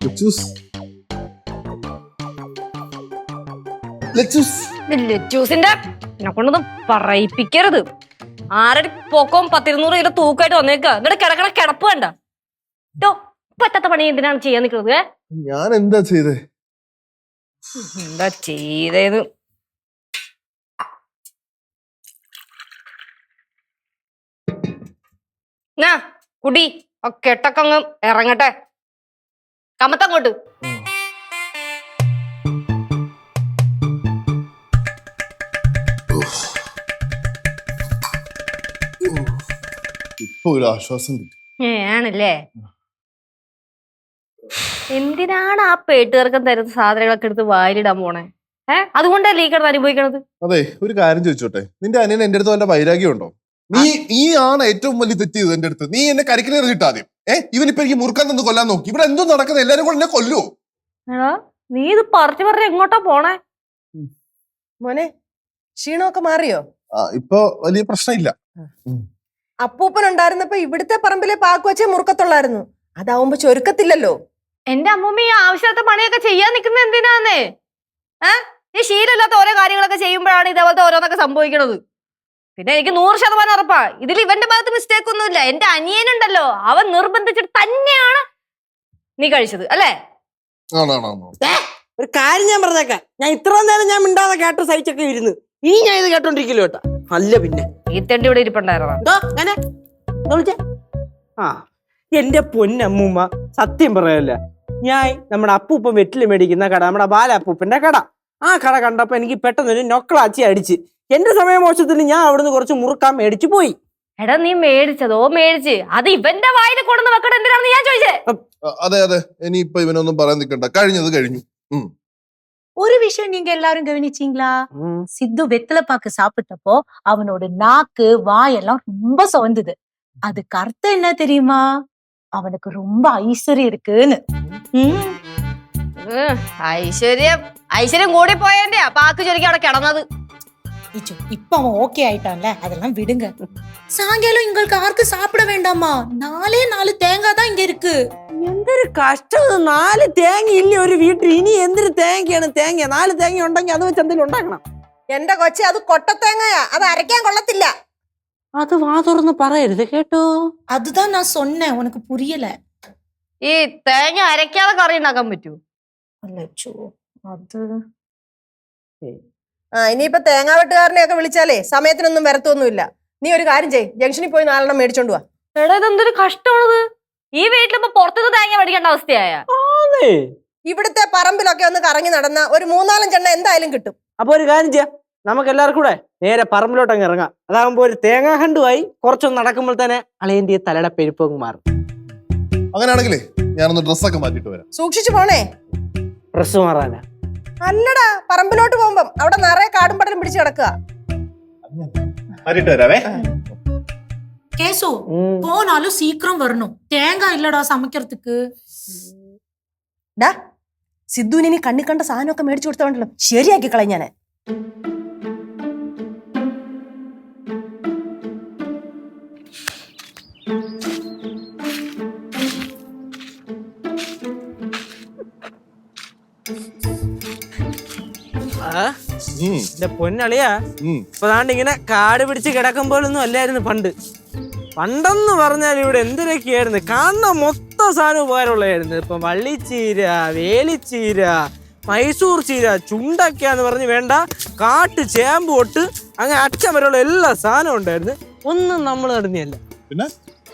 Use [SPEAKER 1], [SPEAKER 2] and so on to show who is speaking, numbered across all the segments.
[SPEAKER 1] ലച്ചൂസിന്റെ എന്നെ കൊണ്ടൊന്നും പറയിപ്പിക്കരുത്. ആരുടെ പൊക്കവും 10-200 കിലോ തൂക്കായിട്ട് വന്നേക്ക. എന്നിട്ട് കിടക്കണ കിടപ്പ് വേണ്ട. പറ്റാത്ത പണി എന്തിനാണ് ചെയ്യാൻ നിൽക്കുന്നത്?
[SPEAKER 2] ഞാൻ എന്താ ചെയ്തേ?
[SPEAKER 1] എന്താ ചെയ്തേന്ന് കുടി കെട്ടൊക്കെ അങ്ങ് ഇറങ്ങട്ടെ. കമത്തങ്ങോട്ട്.
[SPEAKER 2] ഇപ്പൊ ഒരു ആശ്വാസം കിട്ടി.
[SPEAKER 1] ആണല്ലേ? എന്തിനാണ് ആ പേട്ടുകാർക്കും തരുന്ന സാധനങ്ങളൊക്കെ എടുത്ത് വായിലിടാൻ പോണേ? അതുകൊണ്ടല്ലേ ഈ കിടന്ന് അനുഭവിക്കണത്?
[SPEAKER 2] അതെ, ഒരു കാര്യം ചോദിച്ചോട്ടെ, നിന്റെ അനിയൻ എന്റെ അടുത്ത് വല്ല വൈരാഗ്യം ഉണ്ടോ? നീ ആണ് ഏറ്റവും വലിയ തെറ്റ് ചെയ്തത് എന്റെ അടുത്ത്. നീ എന്നെ കരിക്കിലേറി കിട്ടാദ്യം. ഇവനിപ്പോ എനിക്ക് മുറുക്കാൻ തന്ന് കൊല്ലാൻ നോക്കി. ഇവിടെ എന്തോ നടക്കുന്നത്? എല്ലാരും കൂടെ എന്നെ കൊല്ലുവോ?
[SPEAKER 1] നീ ഇത് പറഞ്ഞു എങ്ങോട്ടാ പോണേ?
[SPEAKER 3] മോനെ, ക്ഷീണമൊക്കെ മാറിയോ?
[SPEAKER 2] ഇപ്പൊ വലിയ പ്രശ്നമില്ല.
[SPEAKER 3] അപ്പൂപ്പൻ ഉണ്ടായിരുന്നപ്പോ ഇവിടുത്തെ പറമ്പിലെ പാക്ക് വെച്ചേ മുറുക്കത്തുള്ളായിരുന്നു. അതാവുമ്പോ ചൊരുക്കത്തില്ലല്ലോ.
[SPEAKER 1] എന്റെ അമ്മൂമ്മ ഈ ആവശ്യത്തെ പണിയൊക്കെ ചെയ്യാൻ നിൽക്കുന്നത് എന്തിനാന്നേ? ഈ ശീലമില്ലാത്ത ഓരോ കാര്യങ്ങളൊക്കെ ചെയ്യുമ്പോഴാണ് ഇതേപോലത്തെ ഓരോന്നൊക്കെ സംഭവിക്കണത്. പിന്നെ എനിക്ക് 100% ഉറപ്പാ ഇതിൽ ഇവന്റെ ഭാഗത്ത് മിസ്റ്റേക്ക് ഒന്നുമില്ല. എന്റെ അനിയനുണ്ടല്ലോ, അവൻ നിർബന്ധിച്ചിട്ട് തന്നെയാണ് നീ കഴിച്ചത് അല്ലേ?
[SPEAKER 4] ഒരു കാര്യം ഞാൻ പറഞ്ഞേക്കാം, ഞാൻ ഇത്രയും നേരം ഞാൻ മിണ്ടാതെ കേട്ട് സഹിച്ചൊക്കെ ഇരുന്ന് ഇനി ഞാൻ ഇത് കേട്ടോണ്ടിരിക്കല്ലോ കേട്ടാ. അല്ല പിന്നെ
[SPEAKER 1] ഈ തെണ്ടി ഇവിടെ ഇരിപ്പുണ്ടായിരുന്നോ?
[SPEAKER 4] എന്റെ പൊന്നമ്മൂമ്മ, സത്യം പറയല്ല, ഞാൻ നമ്മുടെ അപ്പൂപ്പൻ വെറ്റില് മേടിക്കുന്ന കട, നമ്മുടെ ബാലപ്പൂപ്പന്റെ കട, ആ കട കണ്ടപ്പോ എനിക്ക് പെട്ടെന്നൊരു നൊക്കളാച്ചി അടിച്ച് എന്റെ സമയമോശത്തിൽ ഞാൻ അവിടുന്ന് കുറച്ച് മുറുക്കാൻ മേടിച്ചു പോയി.
[SPEAKER 1] എടാ, നീ മേടിച്ചതോ മേടിച്ച് അത് ഇവന്റെ വായിൽ കൊണ്ടു വെക്കണം എന്തിനാണെന്ന് ഞാൻ ചോദിച്ചേ.
[SPEAKER 2] അതെ, ഇനിയിപ്പൊ ഇവനൊന്നും പറയാൻ നിൽക്കണ്ട, കഴിഞ്ഞത് കഴിഞ്ഞു.
[SPEAKER 5] ஒரு விஷயம் நீங்க எல்லாரும் கவனிச்சீங்களா? சித்து வெத்தலைப்பாக்கு சாப்பிட்டப்போ அவனோட நாக்கு வாயெல்லாம் ரொம்ப சவந்தது. அதுக்கு அர்த்தம் என்ன தெரியுமா? அவனுக்கு ரொம்ப ஐஸ்வர்யம் இருக்குன்னு.
[SPEAKER 1] ഐശ്വര്യം കൂടി പോയന്റെ പാക്ക് ചൊരിക്കും അവിടെ കിടന്നത്.
[SPEAKER 5] இப்ப அவன் ஓகே ஆயிட்டான்ல, அதெல்லாம் விடுங்க. சாயங்காலம் உங்களுக்கு யாருக்கு சாப்பிட வேண்டாமா? 4 தேங்காய் தான் இங்க இருக்கு.
[SPEAKER 4] എന്തൊരു കഷ്ടം! 4 തേങ്ങ ഇല്ല ഒരു വീട്ടിൽ. ഇനി എന്തൊരു തേങ്ങയാണ്? 4 തേങ്ങ ഉണ്ടെങ്കിൽ അത് വെച്ച് എന്തെങ്കിലും ഉണ്ടാക്കണം.
[SPEAKER 3] എന്റെ കൊച്ചെ, അത് കൊട്ടത്തേങ്ങയാ, അത് അരയ്ക്കാൻ കൊള്ളത്തില്ല.
[SPEAKER 4] അത് വാ തുറന്ന് പറയരുത് കേട്ടോ.
[SPEAKER 5] அதுதான் நான் சொன்னேன், உனக்கு புரியல.
[SPEAKER 1] ഈ തേങ്ങ അരയ്ക്കാതെ കറി ഉണ്ടാക്കാൻ പറ്റൂ?
[SPEAKER 5] അല്ലച്ചോ, അത്
[SPEAKER 3] ഇനിയിപ്പൊ തേങ്ങാ വെട്ടുകാരനെയൊക്കെ വിളിച്ചാലേ സമയത്തിനൊന്നും വരത്തൊന്നുമില്ല. നീ ഒരു കാര്യം ചെയ്യ്, ജംഗ്ഷനിൽ പോയി 4 മേടിച്ചോണ്ട് വാ.
[SPEAKER 1] എടാ, ഇതെന്തൊരു കഷ്ടമാണത്. ഈ വീട്ടിലിപ്പോ പുറത്തുനിന്ന് തേങ്ങ മേടിക്കേണ്ട അവസ്ഥയായ?
[SPEAKER 3] ഇവിടുത്തെ പറമ്പിലൊക്കെ ഒന്ന് കറങ്ങി നടന്ന ഒരു 3-4 എണ്ണ എന്തായാലും കിട്ടും.
[SPEAKER 4] അപ്പൊ ഒരു കാര്യം ചെയ്യാം, നമുക്ക് എല്ലാവർക്കും കൂടെ നേരെ പറമ്പിലോട്ട് അങ്ങ് ഇറങ്ങാം. അതാകുമ്പോ ഒരു തേങ്ങാ ഹണ്ടുമായി കുറച്ചൊന്ന് നടക്കുമ്പോൾ തന്നെ അളയന്റെ തലയുടെ പെരുപ്പങ്ങ് മാറും.
[SPEAKER 2] അങ്ങനെയാണെങ്കിലേ ഞാനൊന്ന് ഡ്രസ്സൊക്കെ മാറ്റിട്ട് വരാം.
[SPEAKER 3] സൂക്ഷിച്ചു പോണേ.
[SPEAKER 4] ഡ്രസ് മാറാനാ?
[SPEAKER 3] അല്ലടാ, പറമ്പിലോട്ട് പോകുമ്പം അവിടെ നിറയെ കാടും പടലും പിടിച്ച് കിടക്കുക.
[SPEAKER 5] கேசு, போனாலும் சீக்கிரம் வரணும். தேங்காய் இல்லடா சமைக்கிறதுக்கு.
[SPEAKER 3] ഡാ, സിദ്ധുവിന് ഇനി കണ്ണി കണ്ട സാധനമൊക്കെ മേടിച്ചു കൊടുത്തോണ്ടല്ലോ, ശരിയാക്കി കളഞ്ഞാനെ.
[SPEAKER 4] എന്റെ പൊന്നളിയാ, ഇപ്പൊ ഇങ്ങനെ കാട് പിടിച്ച് കിടക്കുമ്പോഴൊന്നും അല്ലായിരുന്നു പണ്ട്. പണ്ടെന്ന് പറഞ്ഞാൽ ഇവിടെ എന്തിനൊക്കെയായിരുന്നു, കാണുന്ന മൊത്തം സാധനം ഉപകാരമുള്ളതായിരുന്നു. ഇപ്പൊ വള്ളിച്ചീര, വേലിച്ചീര, മൈസൂർ ചീര, ചുണ്ടക്കാന്ന് പറഞ്ഞ് വേണ്ട, കാട്ട് ചേമ്പ് തൊട്ട് അങ്ങനെ അച്ഛൻ വരെയുള്ള എല്ലാ സാധനവും ഉണ്ടായിരുന്നു. ഒന്നും നമ്മൾ നടന്നിയല്ല.
[SPEAKER 2] പിന്നെ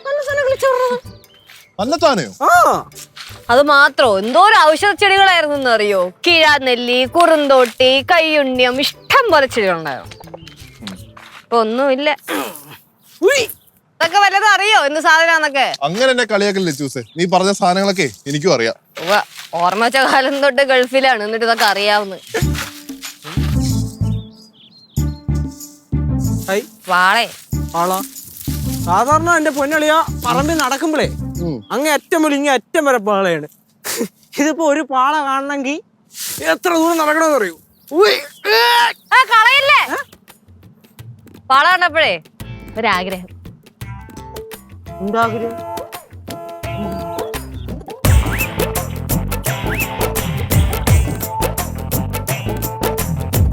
[SPEAKER 1] അത് മാത്രോ എന്തോരം ഔഷധ ചെടികളായിരുന്നു അറിയോ? കിഴാനെല്ലി, കുറുന്തോട്ടി, കയ്യുണ്ണിയം, ഇഷ്ടം പോലെ ചെടികളുണ്ടായിരുന്നു. ഇപ്പൊ ഒന്നുമില്ല. ഇതൊക്കെ വല്ലതും അറിയോ എന്ത് സാധനന്നൊക്കെ?
[SPEAKER 2] അങ്ങനെ എന്നെ കളിയാക്കല്ലേ ചൂസേ, നീ പറഞ്ഞ സാധനങ്ങളൊക്കെ എനിക്കും അറിയാം.
[SPEAKER 1] ഓർമ്മ വെച്ച കാലം തൊട്ട് ഗൾഫിലാണ്, എന്നിട്ട് ഇതൊക്കെ അറിയാവുന്ന വാളെ
[SPEAKER 4] ആളാ. സാധാരണ എന്റെ പൊന്നളിയാ പറമ്പിൽ നടക്കുമ്പോഴേ അങ്ങ് അറ്റം മുതൽ ഇങ്ങനെ അറ്റം വരെ പാളയാണ്. ഇതിപ്പോ ഒരു പാള കാണണമെങ്കിൽ എത്ര ദൂരം നടക്കണമെന്ന് അറിയൂ.
[SPEAKER 1] കളയില്ലേ? പാള കണ്ടപ്പോഴേ ഒരാഗ്രഹം.
[SPEAKER 4] എന്താഗ്രഹം?